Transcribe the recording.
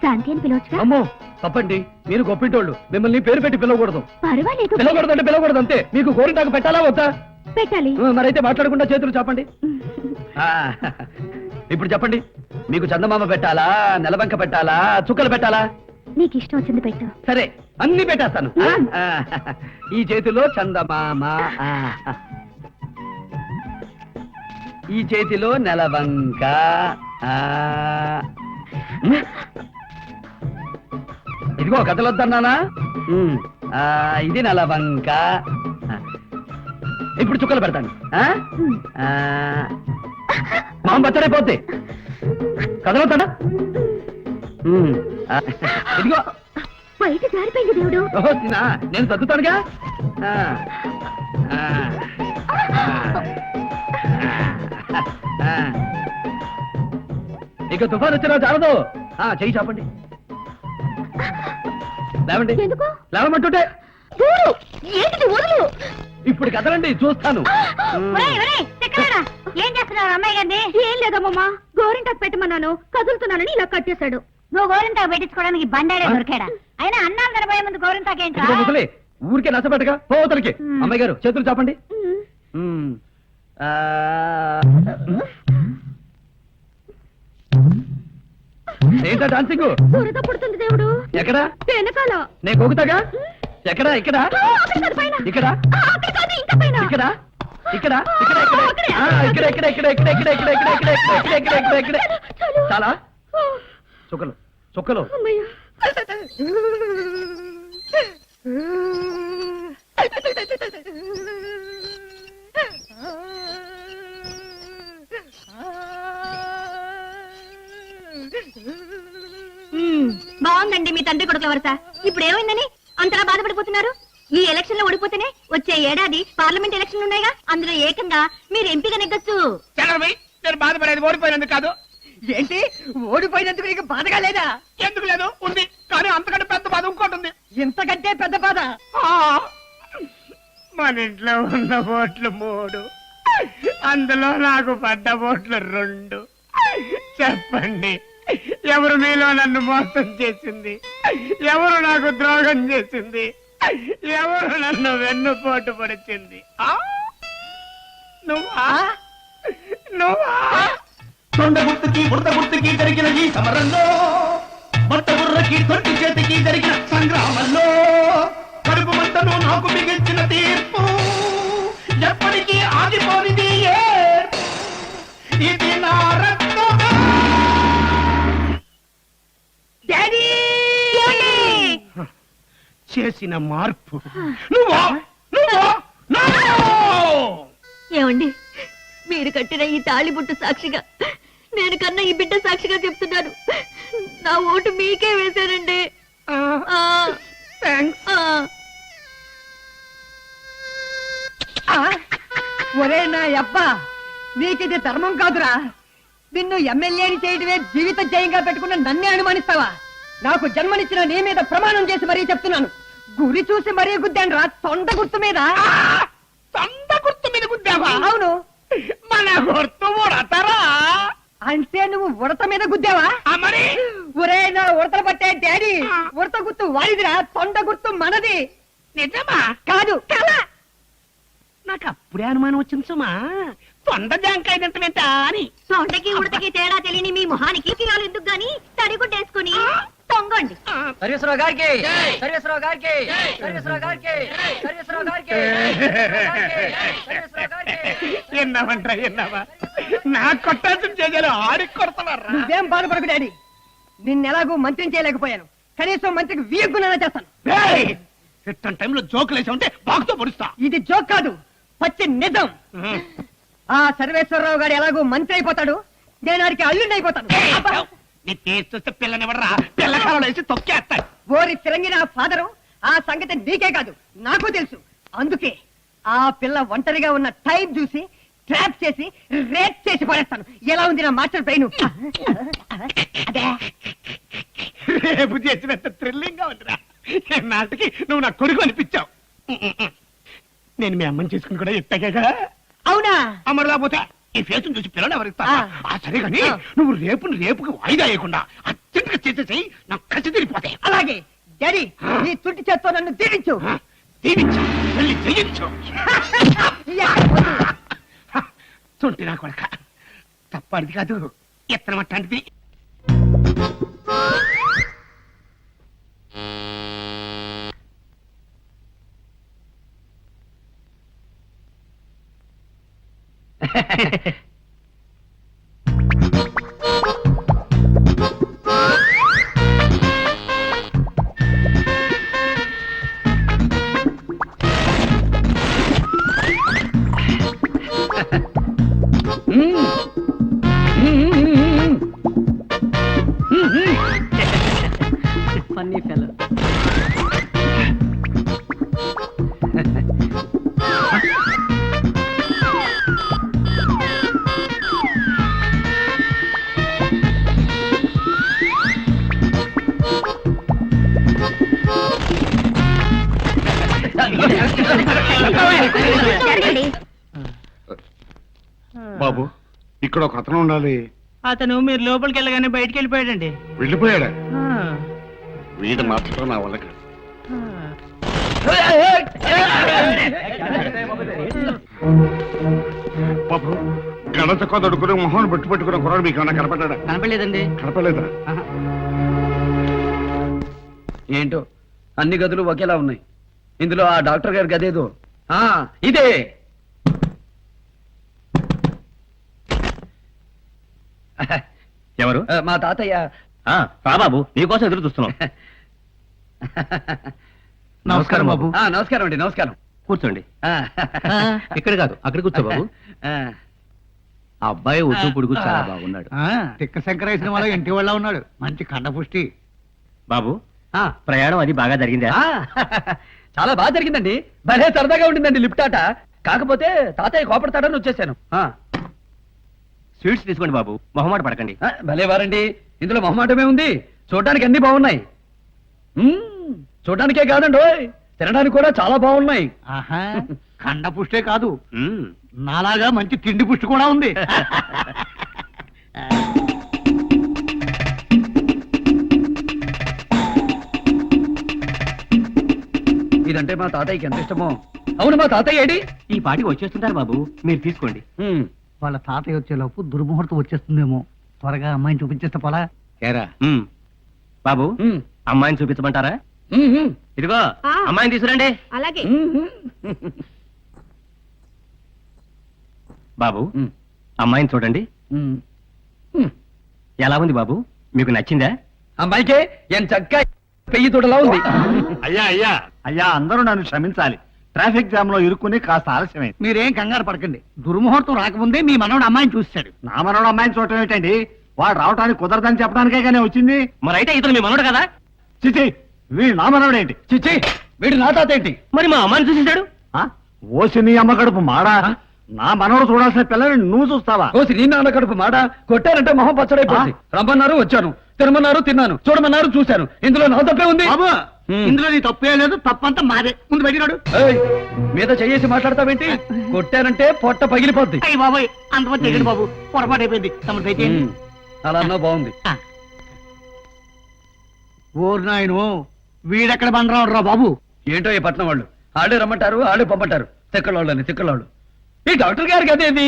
శాంతి అని పిలవచ్చుగా? అమ్మో తప్పండి, మీరు గొప్పింటోళ్ళు, మిమ్మల్ని పేరు పెట్టి పిలవకూడదు. పర్వాలేదు. పిలవకూడదు అంటే పిలవకూడదు అంతే. మీకు గోరింటాకు పెట్టాలా వద్దా? పెట్టాలి. మరైతే మాట్లాడకుండా చేతులు చెప్పండి. ఇప్పుడు చెప్పండి, మీకు చందమామ పెట్టాలా, నెలబంక పెట్టాలా, చుక్కలు పెట్టాలా? నీకు ఇష్టం వచ్చింది పెట్టు. సరే, అన్ని పెట్టేస్తాను. ఈ చేతిలో చందమామ, ఈ చేతిలో నెలవంక, ఇదిగో కథలొద్దన్నానా? ఇది నెలవంక. ఇప్పుడు చుక్కలు పెడతాను. మామ బచ్చడైపోద్ది. కథలొద్దానా? ఇదిగో బయట జారిపోయింది దేవుడు. నేను తగ్గుతానుగా. ఇక తుఫాన్ వచ్చినా చాలదు. చెయ్యి చాపండి. లేవండి. లేవమంటుంటే ఇప్పుడు కదలండి, చూస్తాను. ఏం చేస్తున్నారు అమ్మాయి గారిని? ఏం లేదమ్మా, గోరింటాకు పెట్టమన్నాను, కదులుతున్నానని ఇలా కట్టేశాడు. నువ్వు గోరింటాకు పెట్టించుకోవడానికి బండాడే దొరికాడా? అయినా అన్నాలు కనబోయే ముందు గోరింటాకు ఏంటి? ముసలి ఊరికే నచ్చబెట్టగా పోతలకి. అమ్మాయి గారు చేతులు చాపండి. ఏంటా డాన్సింగ్? బురద పుడుతుంది దేవుడు. ఎక్కడ? వెనకాల. నేను కోగుతాగా. ఎక్కడ? ఇక్కడ ఇక్కడ ఇక్కడ ఇక్కడ ఇక్కడ చాలా చుక్కలు చుక్కలు. బాగుందండి మీ తండ్రి కొడుకుల వరస. ఇప్పుడు ఏమైందని అంతలా బాధపడిపోతున్నారు? ఈ ఎలక్షన్ లో ఓడిపోతేనే వచ్చే ఏడాది పార్లమెంట్ ఎలక్షన్ ఉన్నాయిగా, అందులో ఏకంగా మీరు ఎంపీగా నెగ్గొచ్చు. నేను బాధపడేది ఓడిపోయినందుకు కాదు. ఏంటి ఓడిపోయినందుకు నీకు బాధగా లేదా? ఎందుకు లేదు, ఉంది. కానీ అంతకంటే పెద్ద బాధ ఇంకోటి ఉంది. ఇంతకంటే పెద్ద బాధ? మన ఇంట్లో ఉన్న ఓట్లు 3, అందులో నాకు పడ్డ ఓట్లు 2. చెప్పండి, ఎవరు మీలో నన్ను మోసం చేసింది? ఎవరు నాకు ద్రోహం చేసింది? ఎవరు నన్ను వెన్నుపోటు పడిచింది? నువ్వా? నువ్వా? తొండ గుర్తుకి బురద గుర్తుకి జరిగిన ఈ సమరంలో, బట్ట బుర్రకి తొట్టి చేతికి జరిగిన సంగ్రామంలో, కడుపు మంటను నాకు మిగిల్చిన తీర్పు ఎప్పటికీ ఆగిపోనిది. ఇది నా రక్తమే. డాడీ చేసిన మార్పు నువ్వా? నువ్వా? ఏమండి, మీరు కట్టిన ఈ తాళిబుట్టు సాక్షిగా, నేను కన్నా ఈ బిడ్డ సాక్షిగా చెప్తున్నాను, నా ఓటు మీకే వేశానండి. ఒరే నా అబ్బా, నీకిది ధర్మం కాదురా. నిన్ను ఎమ్మెల్యేని చేయడమే జీవిత జయంగా పెట్టుకున్న నన్నే అనుమానిస్తావా? నాకు జన్మనిచ్చిన నీ మీద ప్రమాణం చేసి మరీ చెప్తున్నాను, గురి చూసి మరీ గుద్దాను రా. తొండ గుర్తు మీద. తొండ గుర్తు మీద గుద్దావా? అవును. మన గుర్తు ఉడతరా? అంటే నువ్వు ఉడత మీద గుద్దావా? మరి ఒరే నా ఉడతలు పట్టే డాడీ, ఉడత గుర్తు వాడిదిరా, తొండ గుర్తు మనది. నిజమా? కాదు కలా. నాకు అప్పుడే అనుమానం వచ్చింది సుమా, తొండ జాంకాయ తింటమేంటా అని. తొండకి ఉడతకి తేడా తెలియని మీ మొహానికి కిరాలు ఎందుకు గాని తడిగుడ్డేసుకుని తొంగండి. సర్వేశ్వరరావు గారికి, సర్వేశ్వరరావు గారికి, సర్వేశ్వరరావు గారికి, సర్వేశ్వరరావు గారికి, సర్వేశ్వరరావు గారికి. ఎన్నావంటా ఎన్నావా? నాకు కొట్టాల్సిన చేయాలి, ఆడికి కొడతారా? నువ్వేం బాధపడకు డాడీ, నిన్నెలాగూ మంత్రిని చేయలేకపోయాను, కనీసం మంత్రికి వీయగ్గునైనా చేస్తాను. ఇట్టని టైంలో జోకులు వేసా ఉంటే బాగుతో పొడుస్తా. ఇది జోక్ కాదు, పచ్చి నిజం. ఆ సర్వేశ్వరరావు గారు ఎలాగూ మంత్రి అయిపోతాడు, నేను వాడికి అల్లుండి అయిపోతాను. నీ కేసు చూస్తే పిల్లనివ్వరా, పిల్లకాలలో వేసి తొక్కేస్తాడు. ఓరి తిరంగి నా ఫాదరు, ఆ సంగతి నీకే కాదు నాకు తెలుసు. అందుకే ఆ పిల్ల ఒంటరిగా ఉన్న టైం చూసి ట్రాప్ చేసి రేప్ చేసి పడేస్తాను. ఎలా ఉంది నా మాస్టర్ బ్రెయిన్? రేపు చేసినంత థ్రిల్లింగ్ గా ఉందిరా. నాటికి నువ్వు నా కొడుకు అనిపించావు. నేను మీ అమ్మని చేసుకుని కూడా ఎత్తాగా. అవునా? అమ్మడు లేకపోతే ఈ ఫేస్ చూసి పిల్లలు ఎవరిస్తా? సరే గాని నువ్వు రేపుకి వాయిదా వేయకుండా అత్యంత చేసేసి నాకు కసి తిరిగిపోతాయి. అలాగే డాడీ నీ తుట్టి చేత్తో నన్ను దీవించు. దీవించు, వెళ్ళి జయించు. యా, వద్దు. తుంటి నా కొడక, తప్పటిది కాదు, ఎత్తనం అట్లాంటిది. Funny fellow. జరగండి. బాబు ఇక్కడ ఒక అతను ఉండాలి. అతను మీరు లోపలికి వెళ్ళగానే బయటికి వెళ్ళిపోయాడండి. వెళ్ళిపోయాడా? వీడు మార్చడం నా వల్ల కాదు. బాబు గణత కొదడుకుని మొహం పెట్టుకున్న కుర్రాడు మీకు ఏమన్నా కనపడ్డా? కనపడలేదండి. కనపడలేదా? ఏంటో అన్ని గదులు ఒకేలా ఉన్నాయి. ఇందులో ఆ డాక్టర్ గారి గదేదో. ఇదే. ఎవరు? మా తాతయ్య. రా బాబు, నీకోసం ఎదురు చూస్తున్నాం. నమస్కారం బాబు. నమస్కారం అండి. నమస్కారం. కూర్చోండి. ఆ. ఇక్కడ కాదు, అక్కడ కూర్చో బాబు. ఆ. ఆ అబ్బాయి ఒడ్డు పొడుగు చాలా బాగున్నాడు. తిక్క శంకరేసిన వాళ్ళ ఇంటి వాళ్ళ ఉన్నాడు. మంచి కండపుష్టి. బాబు ఆ. ప్రయాణం అది బాగా జరిగిందా? చాలా బాగా జరిగిందండి. భలే సరదాగా ఉండిందండి లిఫ్ట్ ఆట. కాకపోతే తాతయ్య కోపడతాడని వచ్చేసాను. స్వీట్స్ తీసుకోండి బాబు, మొహమాట పడకండి. భలే వారండి. ఇందులో మొహమాటమే ఉంది. చూడడానికి అన్ని బాగున్నాయి. చూడడానికే కాదండి, ఓయ్ తినడానికి కూడా చాలా బాగున్నాయి. కండపుష్టే కాదు, మ్మ్. నాలాగా మంచి తిండి పుష్టి కూడా ఉంది. ఇదంటే మా తాతయ్యకి ఎంత ఇష్టమో. అవును, మా తాతయ్య ఏడి? ఈ పాటికి వచ్చేస్తుంటారు బాబు, మీరు తీసుకోండి. వాళ్ళ తాతయ్య వచ్చేలోపు దుర్ముహూర్తం వచ్చేస్తుందేమో. త్వరగా అమ్మాయిని చూపించేస్తే పోలా. మ్మ్. బాబు అమ్మాయిని చూపించమంటారా? ఇదిగో ఆ. అమ్మాయిని తీసుకురండి. అలాగే. బాబు అమ్మాయిని చూడండి. ఎలా ఉంది బాబు, మీకు నచ్చిందా? అమ్మాయికే ఏం చక్క పెయ్యి తోటలా ఉంది. అయ్యా అయ్యా అయ్యా, అందరూ నన్ను క్షమించాలి. ట్రాఫిక్ జామ్ లో ఇరుక్కుని కాస్త ఆలస్యమైంది. మీరేం కంగారు పడకండి. దుర్ముహూర్తం రాకముందే మీ మనవడు అమ్మాయిని చూస్తాడు. నా మనోడు అమ్మాయిని చూడటం ఏంటండి? వాడు రావటానికి కుదరదని చెప్పడానికే కానీ వచ్చింది. మరి అయితే ఇతను మీ మనోడు కదా? చిచి, వీడు నా మనోడు ఏంటి? చిచ్చి, వీడు నా తాత ఏంటి? మరి మా అమ్మాయిని చూసేశాడు. ఓసి నీ అమ్మ కడుపు మాడా. నా మనోడు చూడాల్సిన పిల్లని నువ్వు చూస్తావా? కోసి నీ నాన్న కడుపు మాట. కొట్టారంటే మొహం పచ్చడైపోయింది. రమ్మన్నారు వచ్చాను, తినమన్నారు తిన్నాను, చూడమన్నారు చూశాను. ఇందులో నా తప్పే ఉంది. బాబు, ఇందులో నీ తప్పే లేదు. తప్పంతా మాదే. ముందు పెట్టినాడు. ఏయ్, మీద చెయ్యేసి మాట్లాడతావేంటి? కొట్టారంటే పొట్ట పగిలిపోద్ది. అయ్యి బాబాయ్, అంతమంది తెగండి బాబు, పొరపాటు అయిపోయింది. తమరు దయచేయండి. అలా అన్నా బాగుంది. ఓరు నాయను, వీడెక్కడ బండరాడు రా బాబు. ఏంటో ఈ పట్నం వాళ్ళు ఆడే రమ్మంటారు, ఆడే పంపంటారు. తిక్కలోళ్ళని తిక్కలోళ్ళు. ఈ డాక్టర్ గారికి అదేది